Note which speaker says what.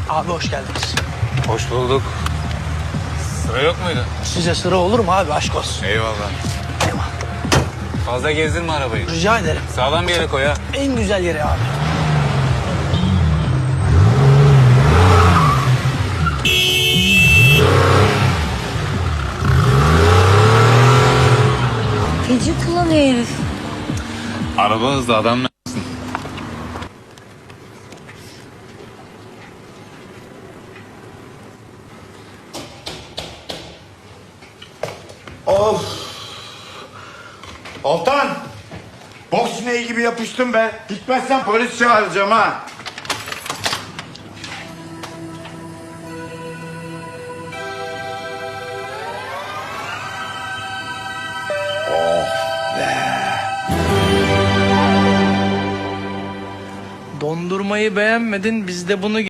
Speaker 1: Abi hoş geldiniz.
Speaker 2: Hoş bulduk. Sıra yok muydu?
Speaker 1: Size sıra olur mu abi, aşk olsun.
Speaker 2: Eyvallah.
Speaker 1: Eyvallah.
Speaker 2: Fazla gezdirme arabayı.
Speaker 1: Rica ederim.
Speaker 2: Sağlam bir yere koy ha.
Speaker 1: En güzel yeri abi.
Speaker 3: Feci kullanıyor herif.
Speaker 2: Araba hızlı adam ne?
Speaker 4: Of! Altan! Boks sineği gibi yapıştım be. Gitmezsen polis çağıracağım ha.
Speaker 1: Dondurmayı beğenmedin, biz de bunu